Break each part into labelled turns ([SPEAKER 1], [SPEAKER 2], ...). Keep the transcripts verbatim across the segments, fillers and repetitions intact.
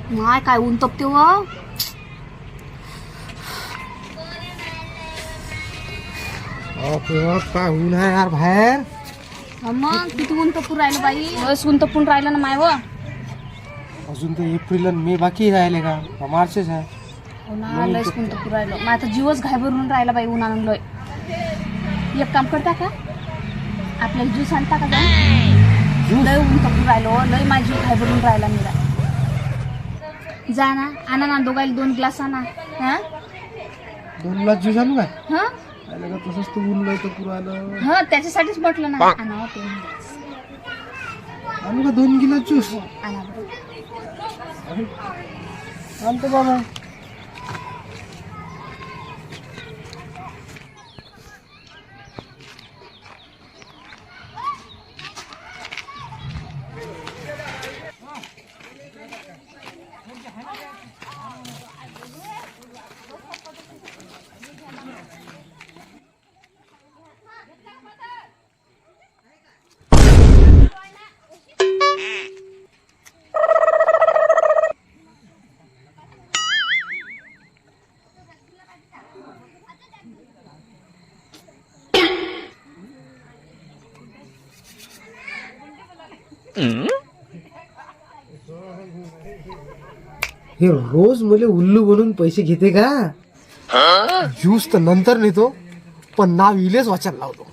[SPEAKER 1] माय काय ऊन तपते व.
[SPEAKER 2] काय ऊन आहे यार बाहेर.
[SPEAKER 1] मग किती ऊन तपून राहिलं बाई. बस ऊन तपून राहिलं ना माय व.
[SPEAKER 2] अजून तर एप्रिल आणि मे बाकी राहिले का मार्चच आहे.
[SPEAKER 1] उन्हा लयच ऊन तपून राहिलं. मग आता जीवच घाबरून राहिला बाई उन्हानं लय. एक काम करता का आपल्याला ज्यूस आणता का जाऊन. लय ऊन तपून राहिलो लय माझी घाबरून राहिला मेरा. जा ना आणा ना दोघायला दोन ग्लास आणा. हा
[SPEAKER 2] दोन ग्लास ज्यूस आणू काय.
[SPEAKER 1] हा
[SPEAKER 2] तसंच तू ऊन लय तर पुरालं.
[SPEAKER 1] हा त्याच्यासाठीच म्हटलं ना आणा ते
[SPEAKER 2] आणू का दोन गिलास ज्यूस.
[SPEAKER 1] आणा बरं.
[SPEAKER 2] आणतो बाबा. हे रोज मला उल्लू बनून पैसे घेते का. ज्यूस तर नंतर नेतो पण नाव इलेच वाचायला लावतो.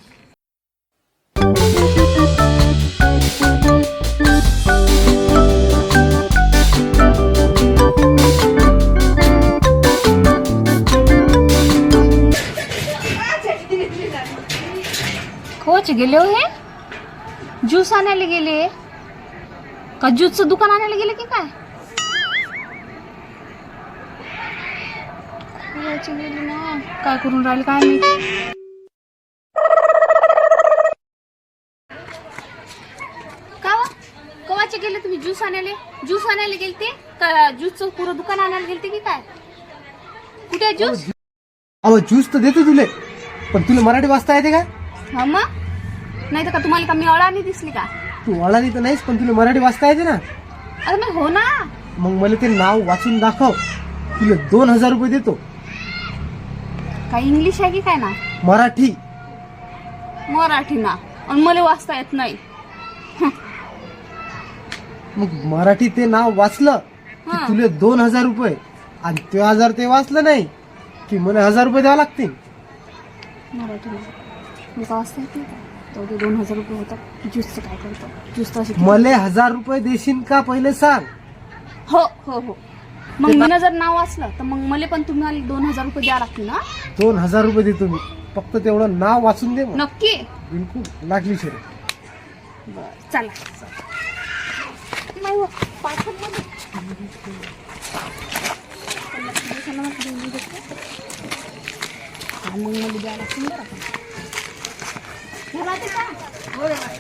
[SPEAKER 1] खोच गेले हो हे. ज्यूस आणायला गेले का ज्यूसचं दुकान आणायला गेले की काय. गेली ना काय करून राहिले काय माहिती. का कवाचे गेले तुम्ही ज्यूस आणायला. ज्यूस आणायला गेलते का ज्यूसचं पुरं दुकान आणायला गेलते की काय. कुठे आहे ज्यूस.
[SPEAKER 2] अहो ज्यूस तर देतो तुले पण तुला मराठी वाचता येते का.
[SPEAKER 1] हा मग नाही तर का तुम्हाला का मी अळानी दिसली का.
[SPEAKER 2] तू वळाली तर नाहीस पण तुला मराठी वाचता येते ना.
[SPEAKER 1] अरे मग हो ना.
[SPEAKER 2] मग मला ते नाव वाचून दाखव तुला दोन हजार रुपये देतो.
[SPEAKER 1] काय इंग्लिश आहे की काय ना.
[SPEAKER 2] मराठी.
[SPEAKER 1] मराठी ना आणि मला वाचता येत नाही.
[SPEAKER 2] मग मराठी ते नाव वाचलं की तुला दोन हजार रुपये आणि ते हजार ते वाचलं नाही की मला हजार रुपये द्यावं लागतील.
[SPEAKER 1] मराठी मला वाचता येत नाही का. तर दोन हजार रुपये होतात. ज्यूसचं काय करतो ज्यूस तर
[SPEAKER 2] मला हजार रुपये देशील का पहिले सांग.
[SPEAKER 1] हो हो हो मग मी जर नाव वाचलं तर मग मला पण तुम्हाला दोन हजार रुपये द्यावं लागतील ना.
[SPEAKER 2] दोन हजार रुपये देतो मी फक्त तेवढं नाव वाचून दे.
[SPEAKER 1] नक्की
[SPEAKER 2] बिलकुल लागली शरी.
[SPEAKER 1] बरं चला. नाही हो, पाठवत नाही. हा, मग मला द्यावं लागतील बरं का. घरात आहे का? होय, होय.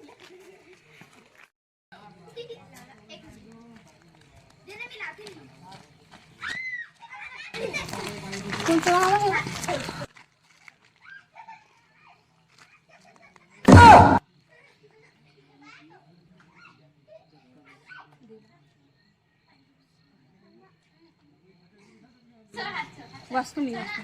[SPEAKER 1] तुमचं नाव आहे? वाचतो मी वाचतो.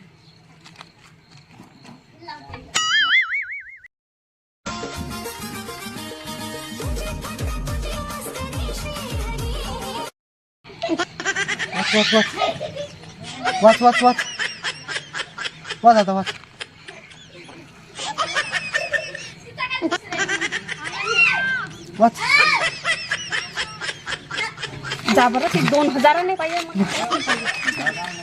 [SPEAKER 2] वाच वाच वाच वाच वाच वाच आता वाच. वाच.
[SPEAKER 1] जा बरं ते दोन हजाराने पाहिजे.